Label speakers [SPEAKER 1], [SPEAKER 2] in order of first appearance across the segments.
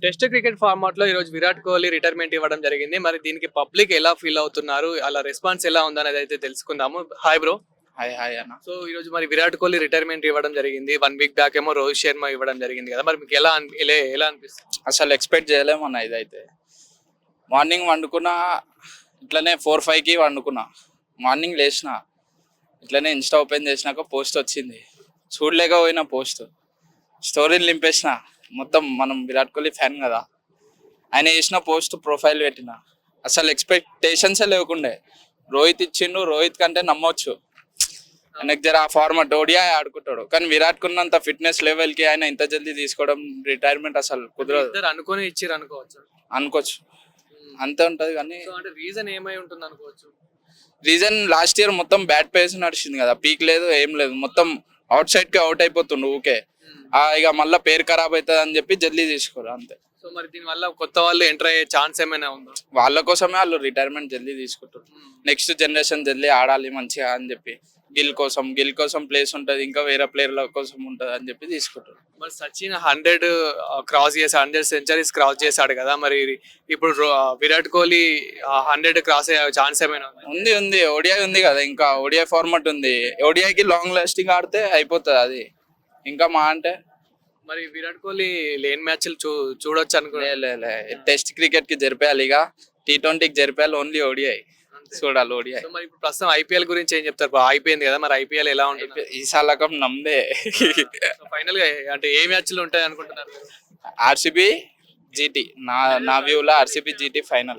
[SPEAKER 1] Test cricket format లో ఈ రోజు విరాట్ కోహ్లీ రిటైర్మెంట్ ఇవ్వడం జరిగింది. మరి దీనికి పబ్లిక్ ఎలా ఫీల్ అవుతున్నారు? అలా రెస్పాన్స్ ఎలా ఉందనేది అయితే తెలుసుకుందాము. Hi bro.
[SPEAKER 2] హాయ్ హాయ్ అన్న.
[SPEAKER 1] సో ఈ రోజు మరి విరాట్ కోహ్లీ రిటైర్మెంట్ ఇవ్వడం జరిగింది. 1 వీక్ బ్యాక్ ఏమో రోహిత్ శర్మ ఇవ్వడం జరిగింది కదా. మరి మీకు ఎలా అనిపిస్తుంది?
[SPEAKER 2] అసలు ఎక్స్పెక్ట్ చేయలేమన్న ఇదైతే. మార్నింగ్ వండుకున్నా ఇట్లనే 4-5కి వండుకున్నా. మార్నింగ్ లేచిన ఇట్లనే ఇన్స్టా ఓపెన్ చేసినాక పోస్ట్ వచ్చింది. చూడలేకపోయినా పోస్ట్ స్టోరీని నింపేసిన. మొత్తం మనం విరాట్ కోహ్లీ ఫ్యాన్ కదా, ఆయన చేసిన పోస్ట్ ప్రొఫైల్ పెట్టిన. అసలు ఎక్స్పెక్టేషన్సే లేకుండే. రోహిత్ ఇచ్చిండు, రోహిత్ కంటే నమ్మొచ్చు. ఆయనకు జర ఆ ఫార్మాట్ ఓడియా ఆడుకుంటాడు, కానీ విరాట్ కున్నంత ఫిట్నెస్ లెవెల్కి ఆయన ఇంత జల్దీ తీసుకోవడం రిటైర్మెంట్ అసలు కుదరదు.
[SPEAKER 1] ఇద్దరు అనుకొని ఇచ్చిర్రు అనుకోవచ్చు.
[SPEAKER 2] అనుకోవచ్చు, అంతే ఉంటది. కానీ
[SPEAKER 1] సో అంటే రీజన్ ఏమై ఉంటుంది అనుకోవచ్చు?
[SPEAKER 2] రీజన్ లాస్ట్ ఇయర్ మొత్తం బ్యాట్ పేస్ నడిచింది కదా, పీక్ లేదు ఏం లేదు, మొత్తం అవుట్ సైడ్ కి అవుట్ అయిపోతుండు ఊకే. ఇక మళ్ళీ పేరు ఖరాబ్ అవుతుంది అని చెప్పి జల్దీ తీసుకోరు అంతే.
[SPEAKER 1] సో మరి దీని వల్ల కొత్త వాళ్ళు ఎంటర్ అయ్యే ఛాన్స్ ఏమైనా ఉందా?
[SPEAKER 2] వాళ్ళ కోసమే వాళ్ళు రిటైర్మెంట్ జల్దీ తీసుకుంటారు. నెక్స్ట్ జనరేషన్ జల్దీ ఆడాలి మంచిగా అని చెప్పి, గిల్ కోసం ప్లేస్ ఉంటుంది, ఇంకా వేరే ప్లేయర్ల కోసం ఉంటుంది అని చెప్పి తీసుకుంటారు.
[SPEAKER 1] మరి సచిన్ 100 క్రాస్ చేశాడు, 100 సెంచరీస్ క్రాస్ చేశాడు కదా. మరి ఇప్పుడు విరాట్ కోహ్లీ 100 క్రాస్ అయ్యే ఛాన్స్ ఏమైనా
[SPEAKER 2] ఉంది. ఓడిఐ ఉంది కదా, ఇంకా ఓడిఐ ఫార్మాట్ ఉంది. ఓడిఐకి లాంగ్ లాస్టింగ్ ఆడితే అయిపోతుంది అది. ఇంకా మా అంటే
[SPEAKER 1] మరి విరాట్ కోహ్లీ లేని మ్యాచ్లు చూడొచ్చు అనుకున్నా.
[SPEAKER 2] టెస్ట్ క్రికెట్ కి జరిపేయాలి, ఇక T20కి జరిపేయాలి. ఓన్లీ ఓడిఐ చూడాలి. ఓడిఐ.
[SPEAKER 1] మరి ఇప్పుడు ప్రస్తుతం ఐపీఎల్ గురించి ఏం చెప్తారు? అయిపోయింది కదా, మరి ఐపీఎల్ ఎలా ఉంటుంది?
[SPEAKER 2] ఈ సాలకం నమ్దే.
[SPEAKER 1] ఫైనల్ గా అంటే ఏ మ్యాచ్లు ఉంటాయి అనుకుంటున్నారు?
[SPEAKER 2] ఆర్సీబీ జీటీ, నా వ్యూలో ఆర్సీబీ జీటీ ఫైనల్.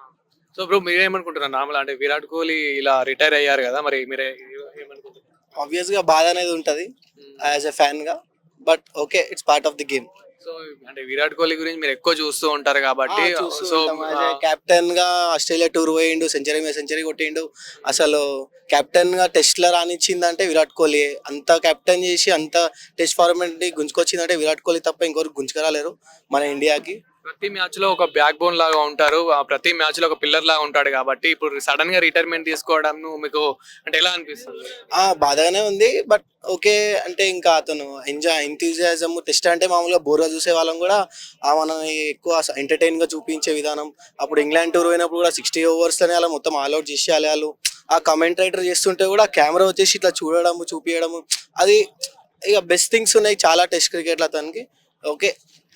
[SPEAKER 1] సో ఇప్పుడు మీరేమనుకుంటున్నారు? నార్మల్ అంటే విరాట్ కోహ్లీ ఇలా రిటైర్ అయ్యారు కదా, మరి మీరే ఏమనుకుంటున్నారు?
[SPEAKER 3] ఆబ్వియస్ గా బాధ అనేది ఉంటది యాజ్ ఎ ఫ్యాన్ గా, but okay, it's part of the game.
[SPEAKER 1] So అంటే విరాట్ కోహ్లీ గురించి మీరు ఎక్కువ చూస్తూ ఉంటారు కాబట్టి, సో
[SPEAKER 3] కెప్టెన్ గా ఆస్ట్రేలియా టూర్ పోయిండు, సెంచరీ కొట్టిండు. అసలు కెప్టెన్ గా టెస్ట్ లో రానిచ్చిందంటే విరాట్ కోహ్లీ. అంత కెప్టెన్ చేసి అంత టెస్ట్ ఫార్మాట్ ని గుంజుకొచ్చిందంటే విరాట్ కోహ్లీ తప్ప ఇంకొకరు గుంజుకరాలేరు మన ఇండియాకి.
[SPEAKER 1] ప్రతి మ్యాచ్ లో ఒక బ్యాక్ బోన్ లాగా ఉంటారు, ప్రతి మ్యాచ్ లో ఒక పిల్లర్ లాగా ఉంటాడు కాబట్టి ఇప్పుడు సడన్ గా రిటైర్మెంట్ తీసుకోవడం మీకు అంటే ఎలా అనిపిస్తుంది?
[SPEAKER 3] బాధగానే ఉంది, బట్ ఓకే. అంటే ఇంకా అతను ఎంతూజియాజం టెస్ట్ అంటే మామూలుగా బోర్గా చూసే వాళ్ళం కూడా మనని ఎక్కువ ఎంటర్టైన్ గా చూపించే విధానం. అప్పుడు ఇంగ్లాండ్ టూర్ పోయినప్పుడు కూడా 60 overs లోనే అలా మొత్తం ఆల్అౌట్ చేసి వాళ్ళు ఆ కమెంటేటర్ చేస్తుంటే కూడా కెమెరా వచ్చేసి ఇట్లా చూపించడము, అది ఇక బెస్ట్ థింగ్స్ ఉన్నాయి చాలా టెస్ట్ క్రికెట్లో అతనికి. ఓకే,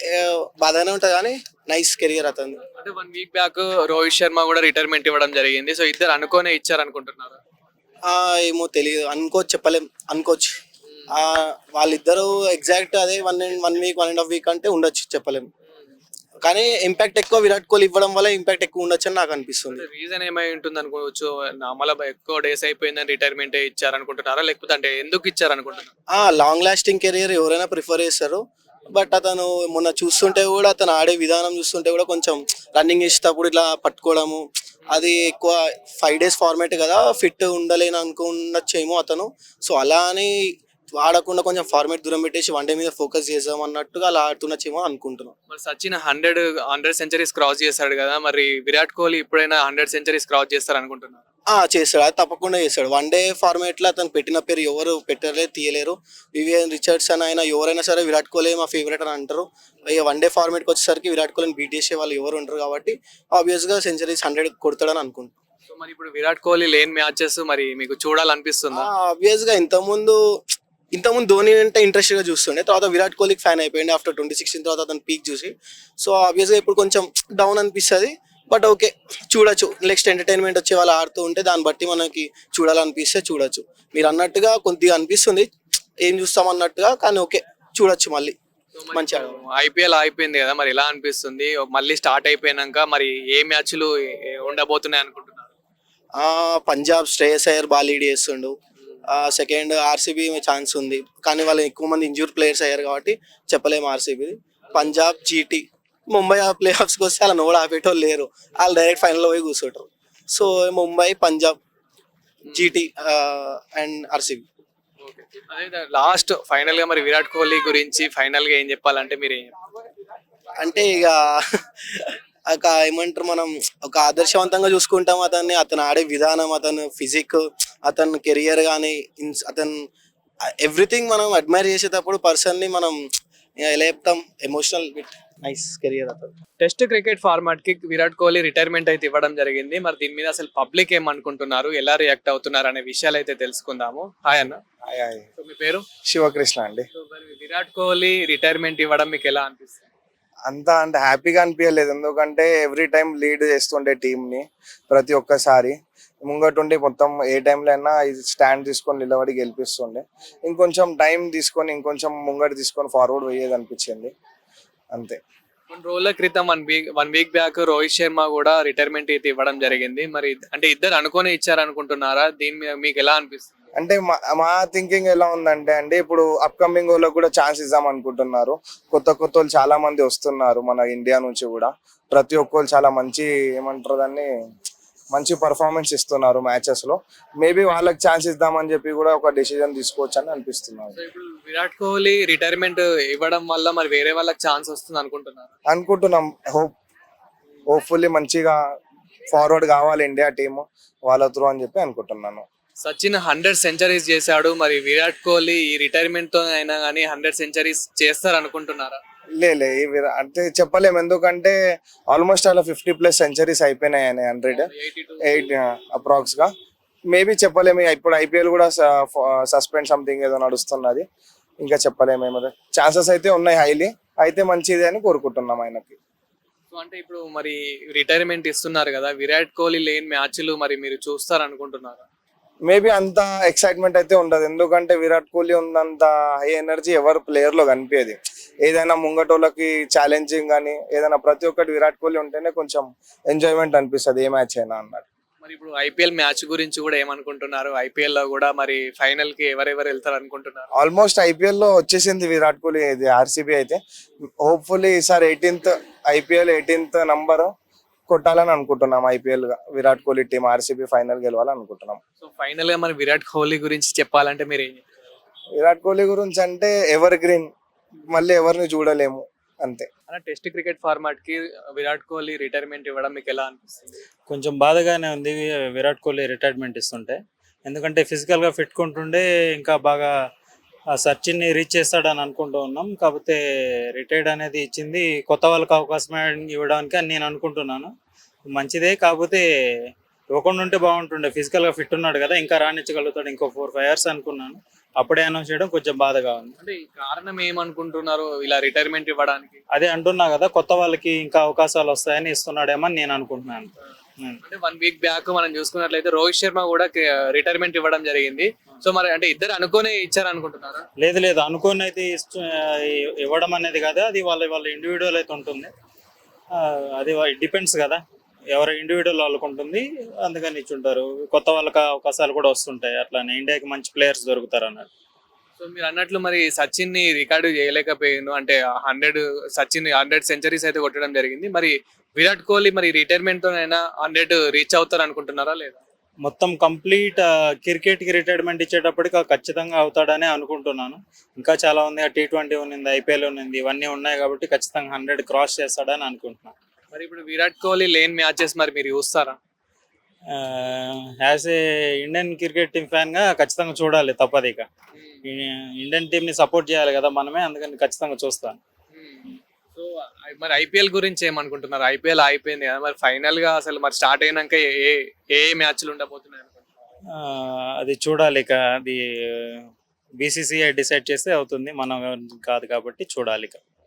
[SPEAKER 3] బాగానే ఉంటుంది కానీ నైస్ కెరియర్ అతను.
[SPEAKER 1] అంటే 1 వీక్ బ్యాక్ రోహిత్ శర్మ కూడా రిటైర్మెంట్ ఇవ్వడం జరిగింది. సో ఇద్దరు అనుకోనే ఇచ్చారు అనుకుంటున్నారు?
[SPEAKER 3] ఏమో తెలియదు, అనుకోవచ్చు, అనుకోవచ్చు. వాళ్ళిద్దరు ఎగ్జాక్ట్ అదే 1 వీక్ 1.5 వీక్ అంటే ఉండొచ్చు, చెప్పలేము. కానీ ఇంపాక్ట్ ఎక్కువ విరాట్ కోహ్లీ ఇవ్వడం వల్ల ఇంపాక్ట్ ఎక్కువ ఉండొచ్చు అని నాకు అనిపిస్తుంది.
[SPEAKER 1] రీజన్ ఏమై ఉంటుంది అనుకోవచ్చు? మళ్ళీ ఎక్కువ డేస్ అయిపోయిందని రిటైర్మెంట్ ఇచ్చారు అనుకుంటున్నారా, లేకపోతే అంటే ఎందుకు ఇచ్చారు అనుకుంటున్నారు?
[SPEAKER 3] లాంగ్ లాస్టింగ్ కెరియర్ ఎవరైనా ప్రిఫర్ చేస్తారు, బట్ అతను మొన్న చూస్తుంటే కూడా అతను ఆడే విధానం చూస్తుంటే కూడా కొంచెం రన్నింగ్ చేసేటప్పుడు ఇట్లా పట్టుకోవడము, అది ఎక్కువ 5 days ఫార్మేట్ కదా, ఫిట్ ఉండలేని అనుకున్నచ్చేమో అతను. సో అలా అని ఆడకుండా కొంచెం ఫార్మేట్ దూరం పెట్టేసి వన్డే మీద ఫోకస్ చేద్దాం అన్నట్టుగా అలా ఆడుతున్నచ్చేమో అనుకుంటున్నాం.
[SPEAKER 1] మరి సచిన్ 100 సెంచరీస్ క్రాస్ చేశాడు కదా, మరి విరాట్ కోహ్లీ ఎప్పుడైనా 100 సెంచరీస్ క్రాస్ చేస్తారు అనుకుంటున్నారు?
[SPEAKER 3] చేస్తాడు, అది తప్పకుండా చేస్తాడు. వన్డే ఫార్మేట్ లో అతను పెట్టిన పేరు ఎవరు పెట్టలేరు, తీయలేరు. వివియన్ రిచర్డ్సన్ అయినా ఎవరైనా సరే విరాట్ కోహ్లీ మా ఫేవరెట్ అని అంటారు. ఇక వన్డే ఫార్మేట్కి వచ్చేసరికి విరాట్ కోహ్లీని బీట్ చేసే వాళ్ళు ఎవరు ఉంటారు కాబట్టి ఆబ్వియస్ గా సెంచరీస్ 100 కొడతాడని అనుకుంటున్నాను.
[SPEAKER 1] సో మరి ఇప్పుడు విరాట్ కోహ్లీ లేని మ్యాచెస్ మరి మీకు చూడాలనిపిస్తుందా?
[SPEAKER 3] ఆబ్వియస్ గా ఇంతకుముందు ధోని అంటే ఇంట్రెస్ట్ గా చూస్తుండే, తర్వాత విరాట్ కోహ్లీకి ఫ్యాన్ అయిపోయింది ఆఫ్టర్ 2016 తర్వాత అతను పీక్ చూసి. సో ఆబ్వియస్ గా ఇప్పుడు కొంచెం డౌన్ అనిపిస్తుంది, బట్ ఓకే, చూడొచ్చు. నెక్స్ట్ ఎంటర్టైన్మెంట్ వచ్చే వాళ్ళు ఆడుతూ ఉంటే దాన్ని బట్టి మనకి చూడాలనిపిస్తే చూడొచ్చు. మీరు అన్నట్టుగా కొద్దిగా అనిపిస్తుంది ఏం చూస్తాం అన్నట్టుగా, కానీ ఓకే, చూడొచ్చు మళ్ళీ మంచిగా.
[SPEAKER 1] ఐపీఎల్ అయిపోయింది కదా, మరి ఎలా అనిపిస్తుంది? మళ్ళీ స్టార్ట్ అయిపోయినాక మరి ఏ మ్యాచ్లు ఉండబోతున్నాయి అనుకుంటున్నారు?
[SPEAKER 3] పంజాబ్ శ్రేయస్ అయ్యర్ బాగా లీడ్ చేస్తుండు. సెకండ్ ఆర్సీబీ ఛాన్స్ ఉంది, కానీ వాళ్ళు ఎక్కువ మంది ఇంజూర్ ప్లేయర్స్ అయ్యారు కాబట్టి చెప్పలేము RCB. Punjab GT, Mumbai play ఆఫ్స్కి వస్తే అలా నోడు ఆపేటోళ్ళు లేరు, వాళ్ళు డైరెక్ట్ ఫైనల్లో పోయి కూర్చుంటారు. So Mumbai, Punjab, GT and RCB.
[SPEAKER 1] అదే లాస్ట్ ఫైనల్ గా మరి విరాట్ కోహ్లీ గురించి ఫైనల్ గా ఏం చెప్పాలంటే మీరు
[SPEAKER 3] అంటే ఇక ఏమంటారు, మనం ఒక ఆదర్శవంతంగా చూసుకుంటాం అతన్ని. అతను ఆడే విధానం, అతను ఫిజిక్, అతను కెరియర్ కానీ, అతను ఎవ్రీథింగ్ మనం అడ్మైర్ చేసేటప్పుడు పర్సన్ని మనం ఇంకా ఎలా చెప్తాం, ఎమోషనల్ బిట్ నైస్ కెరియర్ అతను.
[SPEAKER 1] టెస్ట్ క్రికెట్ ఫార్మాట్ కి విరాట్ కోహ్లీ రిటైర్మెంట్ అయితే ఇవ్వడం జరిగింది. మరి దీని మీద అసలు పబ్లిక్ ఏమనుకుంటున్నారు, ఎలా రియాక్ట్ అవుతున్నారు అనే విషయాలు అయితే తెలుసుకుందాము. హాయ్ అన్న.
[SPEAKER 4] Hi hi.
[SPEAKER 1] సో మీ పేరు?
[SPEAKER 4] శివకృష్ణ అండి.
[SPEAKER 1] సో మరి విరాట్ కోహ్లీ రిటైర్మెంట్ ఇవ్వడం మీకు ఎలా అనిపిస్తుంది?
[SPEAKER 4] అంతా అంటే హ్యాపీగా అనిపించలేదు, ఎందుకంటే ఎవ్రీ టైం లీడ్ చేస్తుండే టీంని ప్రతి ఒక్కసారి ముంగటుండి మొత్తం ఏ టైంలో అయినా ఇది స్టాండ్ తీసుకొని నిలబడి గెలిపిస్తుండే. ఇంకొంచెం టైం తీసుకొని ఇంకొంచెం ముంగట తీసుకొని ఫార్వర్డ్ పోయేది అనిపించింది అంతే.
[SPEAKER 1] కొన్ని రోజుల క్రితం one week back Rohit Sharma కూడా రిటైర్మెంట్ అయితే ఇవ్వడం జరిగింది. మరి అంటే ఇద్దరు అనుకునే ఇచ్చారనుకుంటున్నారా? దీని మీద మీకు ఎలా అనిపిస్తుంది?
[SPEAKER 4] అంటే మా థింకింగ్ ఎలా ఉందంటే అండి, ఇప్పుడు అప్కమింగ్ వాళ్ళకి కూడా ఛాన్స్ ఇద్దాం అనుకుంటున్నారు. కొత్త వాళ్ళు చాలా మంది వస్తున్నారు మన ఇండియా నుంచి కూడా. ప్రతి ఒక్కరు చాలా మంచి ఏమంటారు దాన్ని, మంచి పర్ఫార్మెన్స్ ఇస్తున్నారు మ్యాచెస్ లో. మేబీ వాళ్ళకి ఛాన్స్ ఇద్దామని చెప్పి కూడా ఒక డెసిజన్ తీసుకోవచ్చు అని అనిపిస్తున్నారు.
[SPEAKER 1] సో ఇప్పుడు విరాట్ కోహ్లీ రిటైర్మెంట్ ఇవ్వడం వల్ల మరి వేరే వాళ్ళకి ఛాన్స్ వస్తుంది
[SPEAKER 4] అనుకుంటున్నాం. హోప్ఫుల్లీ మంచిగా ఫార్వర్డ్ కావాలి ఇండియా టీమ్ వాళ్ళ త్రూ అని చెప్పి అనుకుంటున్నాను.
[SPEAKER 1] సచిన్ 100 సెంచరీస్ చేశాడు. మరి విరాట్ కోహ్లీ ఈ రిటైర్మెంట్ తో అయినా కానీ 100 సెంచరీస్ చేస్తారు అనుకుంటున్నారా?
[SPEAKER 4] అంటే చెప్పలేము, ఎందుకంటే ఆల్మోస్ట్ అలా 50+ సెంచరీస్ అయిపోయినాయి 108 అప్రాక్స్ గా. మేబీ చెప్పలేము, ఇప్పుడు ఐపీఎల్ కూడా సస్పెండ్ సంథింగ్ ఏదో నడుస్తున్నది, ఇంకా చెప్పలేము. ఏమో ఛాన్సెస్ అయితే ఉన్నాయి హైలీ, అయితే మంచిది అని కోరుకుంటున్నాం ఆయనకి.
[SPEAKER 1] సో అంటే ఇప్పుడు మరి రిటైర్మెంట్ ఇస్తున్నారు కదా, విరాట్ కోహ్లీ లేని మ్యాచ్లు మరి మీరు చూస్తారు అనుకుంటున్నారా?
[SPEAKER 4] మేబీ అంత ఎక్సైట్మెంట్ అయితే ఉండదు, ఎందుకంటే విరాట్ కోహ్లీ ఉన్నంత హై ఎనర్జీ ఎవరు ప్లేయర్ లో కనిపించేది. ఏదైనా ముంగటోళ్ళకి ఛాలెంజింగ్ కానీ ఏదైనా ప్రతి ఒక్కటి విరాట్ కోహ్లీ ఉంటేనే కొంచెం ఎంజాయ్మెంట్ అనిపిస్తుంది ఏ మ్యాచ్ అయినా అన్నట్టు.
[SPEAKER 1] మరి ఇప్పుడు ఐపీఎల్ మ్యాచ్ గురించి కూడా ఏమనుకుంటున్నారు? ఐపీఎల్ లో కూడా మరి ఫైనల్ కి ఎవరెవరు వెళ్తారు అనుకుంటున్నారు?
[SPEAKER 4] ఆల్మోస్ట్ ఐపీఎల్ లో వచ్చేసింది విరాట్ కోహ్లీ, ఇది ఆర్సీబీ అయితే. హోప్ఫుల్లీ ఈసారి 18th నంబర్ కొట్టాలని అనుకుంటున్నాం ఐపీఎల్ గా. Virat Kohli team RCB final గెలవాలని అనుకుంటున్నాం.
[SPEAKER 1] సో ఫైనల్ గా మరి విరాట్ కోహ్లీ గురించి చెప్పాలంటే మీరు ఏం చెప్తారు?
[SPEAKER 4] విరాట్ కోహ్లీ గురించి అంటే ఎవర్ గ్రీన్, మళ్ళీ ఎవరిని చూడలేము అంతే.
[SPEAKER 1] అలా టెస్ట్ క్రికెట్ ఫార్మాట్ కి విరాట్ కోహ్లీ రిటైర్మెంట్ ఇవ్వడం మీకు ఎలా అనిపిస్తుంది?
[SPEAKER 5] కొంచెం బాధగానే ఉంది విరాట్ కోహ్లీ రిటైర్మెంట్ ఇస్తుంటే, ఎందుకంటే ఫిజికల్గా ఫిట్ ఉంటుండే ఇంకా బాగా ఆ సచిన్ని రీచ్ చేస్తాడని అనుకుంటూ ఉన్నాం. కాకపోతే రిటైర్డ్ అనేది ఇచ్చింది కొత్త వాళ్ళకి అవకాశం ఇవ్వడానికి అని నేను అనుకుంటున్నాను. మంచిదే, కాకపోతే ఇవ్వకుండా ఉంటే బాగుంటుండే. ఫిజికల్గా ఫిట్ ఉన్నాడు కదా, ఇంకా రాణించగలుగుతాడు ఇంకో 4-5 years అనుకున్నాను. అప్పుడే అనౌన్స్ చేయడం కొంచెం బాధగా ఉంది.
[SPEAKER 1] అంటే ఈ కారణం ఏమనుకుంటున్నారు ఇలా రిటైర్మెంట్ ఇవ్వడానికి?
[SPEAKER 5] అదే అంటున్నా కదా, కొత్త వాళ్ళకి ఇంకా అవకాశాలు వస్తాయని ఇస్తున్నాడేమో అని నేను అనుకుంటున్నాను.
[SPEAKER 1] అంటే 1 వీక్ బ్యాక్ మనం చూసుకున్నట్లయితే రోహిత్ శర్మ కూడా రిటైర్మెంట్ ఇవ్వడం జరిగింది. సో మరి అంటే ఇద్దరు అనుకునే ఇచ్చారు అనుకుంటున్నారా?
[SPEAKER 5] లేదు అనుకోని అయితే ఇవ్వడం అనేది కదా, అది వాళ్ళ ఇండివిజువల్ అయితే ఉంటుంది. అది డిపెండ్స్ కదా, ఎవరి ఇండివిజువల్ వాళ్ళకు ఉంటుంది, అందుకని ఇచ్చుంటారు. కొత్త వాళ్ళకి అవకాశాలు కూడా వస్తుంటాయి, అట్లానే ఇండియాకి మంచి ప్లేయర్స్ దొరుకుతారు అన్నట్టు.
[SPEAKER 1] సో మీరు అన్నట్లు మరి సచిన్ ని రికార్డు చేయలేకపోయాను, అంటే 100 సెంచరీస్ అయితే కొట్టడం జరిగింది. మరి విరాట్ కోహ్లీ మరి రిటైర్మెంట్ తో అయినా 100 రీచ్ అవుతారు అనుకుంటున్నారా లేదా?
[SPEAKER 5] మొత్తం కంప్లీట్ క్రికెట్కి రిటైర్మెంట్ ఇచ్చేటప్పటికి ఖచ్చితంగా అవుతాడని అనుకుంటున్నాను. ఇంకా చాలా ఉంది, T20 ఉంది, ఐపీఎల్ ఉంది, ఇవన్నీ ఉన్నాయి కాబట్టి ఖచ్చితంగా 100 క్రాస్ చేస్తాడని అనుకుంటున్నాను.
[SPEAKER 1] మరి ఇప్పుడు విరాట్ కోహ్లీ లేని మ్యాచెస్ మరి మీరు చూస్తారా?
[SPEAKER 5] As a Indian cricket team ఫ్యాన్గా ఖచ్చితంగా చూడాలి, తప్పదు. ఇక ఇండియన్ టీంని సపోర్ట్ చేయాలి కదా మనమే, అందుకని ఖచ్చితంగా చూస్తాను.
[SPEAKER 1] సో మరి ఐపీఎల్ గురించి ఏమనుకుంటున్నారు? ఐపీఎల్ అయిపోయింది కదా, మరి ఫైనల్ గా అసలు మరి స్టార్ట్ అయినాక ఏ మ్యాచ్లు ఉండబోతున్నాయి అనుకుంటున్నారు?
[SPEAKER 5] అది చూడాలి, ఇక అది బీసీసీఐ డిసైడ్ చేస్తే అవుతుంది, మనం కాదు కాబట్టి చూడాలి ఇక.